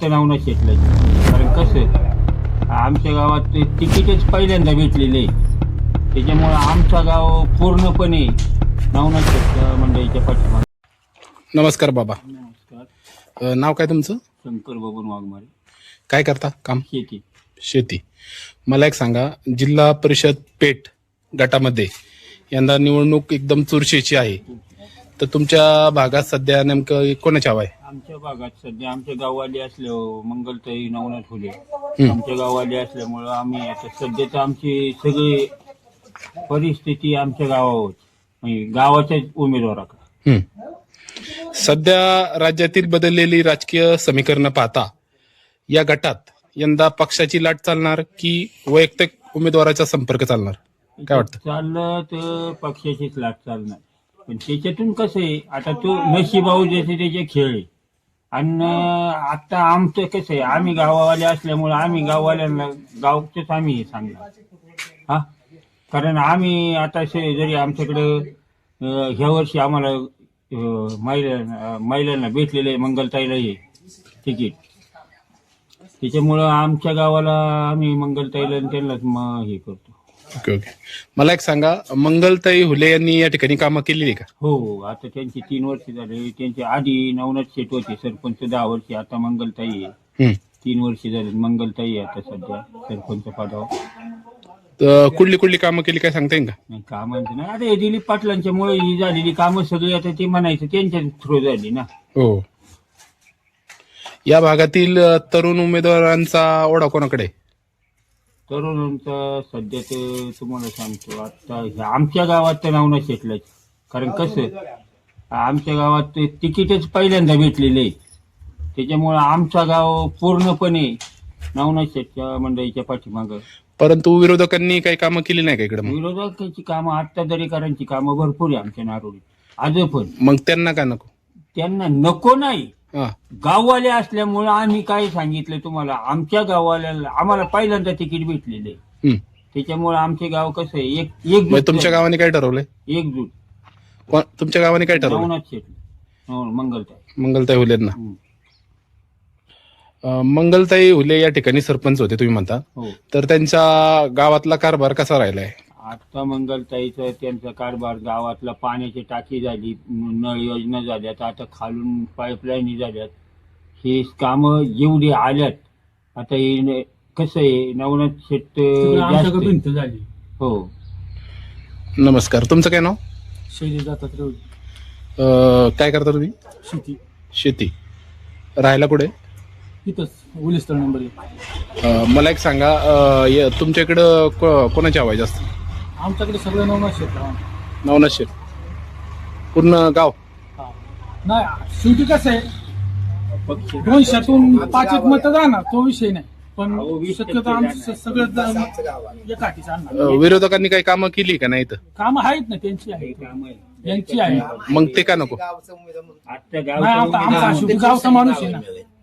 तर नाव न शेतलं. कारण कसं आमच्या गावात तिकीटच पहिल्यांदा भेटलेले, त्याच्यामुळं आमचं गाव पूर्णपणे नवनाथ शेट मंडळीच्या पाठीमागे. नमस्कार बाबा. नमस्कार. नाव काय तुमचं? शंकर बबन वाघमारे. काय करता काम? शेती. शेती. मला एक सांगा, जिल्हा परिषद पेठ गटामध्ये यंदा निवडणूक एकदम चुरशीची आहे, तर तुमच्या भागात सध्या नेमकं कोणाची हवा आहे? आमच्या भागात सध्या आमच्या गाववाले मंगलताई नवनाथ फुले आमच्या गाववाले असल्यामुळं आम्ही आता सध्या तर आमची सगळी परिस्थिती आमच्या गावावर म्हणजे गावाच्याच उमेदवाराकडे. सध्या राज्यातील बदललेली राजकीय समीकरणं पाहता या गटात यंदा पक्षाची लाट चालणार की वैयक्तिक उमेदवाराचा संपर्क चालणार, काय वाटतं? चाललं तर पक्षाचीच लाट चालणार, पण त्याच्यातून कसं आहे आता तो नशिबाऊ जसे त्याचे खेळ आहे. आणि आता आमचं कसं आहे, आम्ही गावावाले असल्यामुळे आम्ही गाववाल्यांना गावचंच आम्ही हे सांगणार हा. कारण आम्ही आता जरी आमच्याकडं ह्या वर्षी आम्हाला महिलांना भेटलेलं आहे मंगलताईला हे तिकीट, त्याच्यामुळं आमच्या गावाला आम्ही मंगलताईला त्यांनाच हे करतो. Okay okay. मला एक सांगा, मंगलताई हुले यांनी या ठिकाणी कामं केलेली का? हो, आता त्यांची 3 वर्ष झाले. त्यांच्या आधी नवनाथ शेट होते सरपंच 10 वर्ष, आता मंगलताई आहे 3 वर्ष झाले. मंगलताई आहे आता सध्या सरपंच पदावर. तर कुठली कुठली कामं केली काय सांगता येईल का? नाही कामांचं नाही, आता हे दिलीप पाटलांच्या मुळे ही झालेली कामं सगळी आता ते म्हणायचं त्यांच्या थ्रू झाली ना. हो. या भागातील तरुण उमेदवारांचा ओढा कोणाकडे? तरुणांचा सध्या तर तुम्हाला सांगतो, आता आमच्या गावात तर नाव न शेटलंच. कारण कसं आमच्या गावात तिकीटच पहिल्यांदा भेटलेले, त्याच्यामुळं आमचं गाव पूर्णपणे नवनाथ शेटच्या मंडळीच्या पाठीमागं. परंतु विरोधकांनी काही कामं केली नाही का इकडे? विरोधकांची कामं आत्ता दरेकरांची कामं भरपूर आहे आमच्या नारोळीत आज पण. मग त्यांना का नको? त्यांना नको नाही, हा. गाववाले असल्यामुळं आम्ही काय सांगितलं तुम्हाला, आमच्या गाववाल्याला आम्हाला पहिल्यांदा तिकीट भेटलेलं आहे, त्याच्यामुळे आमचे गाव कसं आहे मग तुमच्या गावाने काय ठरवलंय? एकजूट. तुमच्या गावाने काय ठरवलं? नवनाथ शेट मंगलताई हुलेंना. मंगलताई हुले या ठिकाणी सरपंच होते तुम्ही म्हणता, हो. तर त्यांच्या गावातला कारभार कसा राहिलाय? आता मंगलताईचा त्यांचा कारभार, गावातला पाण्याची टाकी झाली, नळ योजना झाल्यात, आता खालून पाईपलाईन झाल्यात, हे कामं जेवढी आल्यात आता हे कसं आहे नवनाथ शेट जास्त झाली. हो. नमस्कार, तुमचं काय नाव? शैली जातात. काय करता तुम्ही? शेती. शेती. राहायला कुठे? तिथंच उलिस्थळ नंबर 1. मला एक सांगा, तुमच्या इकडं कोणाची हवा आहे जास्त? आमच्याकडे सगळं नवनाथ शेट. नवनाथ शेट पूर्ण गाव? नाही, शेवटी कसं आहे 200तून 5 मतं जाणार, तो विषय नाही, पण शक्यतो आमचं सगळं एकाठी चालणार. विरोधकांनी काही कामं केली का नाही? तर कामं आहेत ना, त्यांची आहे, यांची आहे. मग ते का नको? नाही, आता आमचा शेवटी गावचा माणूस आहे ना,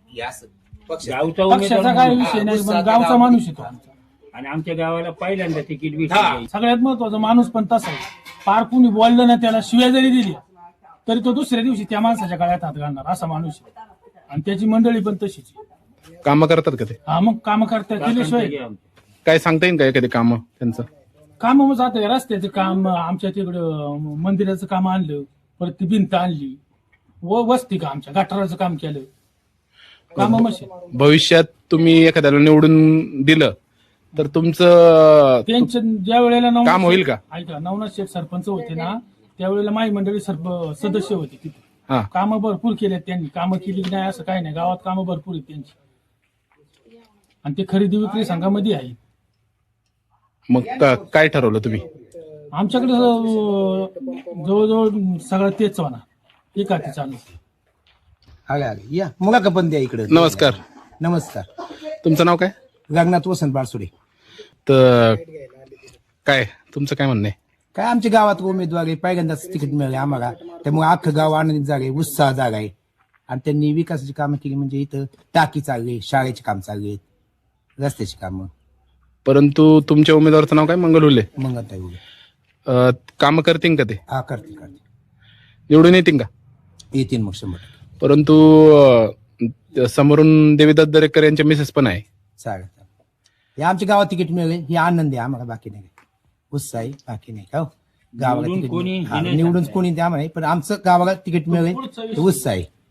पक्षाचा काय विषय नाही, पण गावचा माणूस येतो आमचा. आणि आमच्या गावाला पहिल्यांदा तिकीट भेटलं. सगळ्यात महत्वाचा माणूस पण तसा आहे, पार कुणी बोललं ना त्याला शिव्या जरी दिली तरी तो दुसऱ्या दिवशी त्या माणसाच्या गळ्यात हात घालणार असा माणूस आहे. आणि त्याची मंडळी पण तशीच कामं करतात का ते? हा, मग कामं करतात, केल्याशिवाय काय सांगता येईल का एखादी कामं त्यांचं? काम मग जाते, रस्त्याचं काम, आमच्या तिकडं मंदिराचं काम आणलं, परत ती भिंत आणली, वस्ती का आमच्या गटाराचं काम केलं, काम मशीन. भविष्यात तुम्ही एखाद्याला निवडून दिलं तर तुमचं त्यांच्या ज्या वेळेला काम होईल का? ऐका, नवनाथ शेठ सरपंच होते ना, त्यावेळेला माई मंडळी सदस्य होते तिथे. हा. कामं भरपूर केले त्यांनी, कामं केली नाही असं काही नाही, गावात कामं भरपूर आहेत त्यांची, आणि ते खरेदी विक्री संघामध्ये आहे. मग काय ठरवलं तुम्ही? आमच्याकडे जवळजवळ सगळं तेच होणार, एकाठी चालू. या मुला का पण द्या इकडे. नमस्कार. नमस्कार. तुमचं नाव काय? रंगनाथ वसंत बारसुडे. तर काय तुमचं काय म्हणणं आहे? काय आमच्या गावात उमेदवार आहे, पहिल्यांदाच तिकीट मिळाले आम्हाला, त्यामुळे अख्खं गाव आनंदित जागा आहे, उत्साह जागा आहे. आणि त्यांनी विकासाची कामं केली, म्हणजे इथं टाकी चालली, शाळेची काम चालली आहेत, रस्त्याची कामं. परंतु तुमच्या उमेदवाराचं नाव काय? मंगल हुले. मंगलताई उभे. कामं करतील का ते? हा, करते. निवडून येतील का? येतील मग 100%. परंतु समोरून देवीदास दरेकर यांच्या मिसेस पण आहे. चालेल हे आमच्या गावात तिकीट मिळेल ही आनंद आहे आम्हाला, बाकी नाही उत्साह आहे, बाकी नाही का हो? गावाला निवडून तिकीट कोणी मिळेल. हा, हे नाही निवडून सांगता कोणी द्या म्हणे, पण आमचं गावाला तिकीट मिळेल हे उत्साह आहे.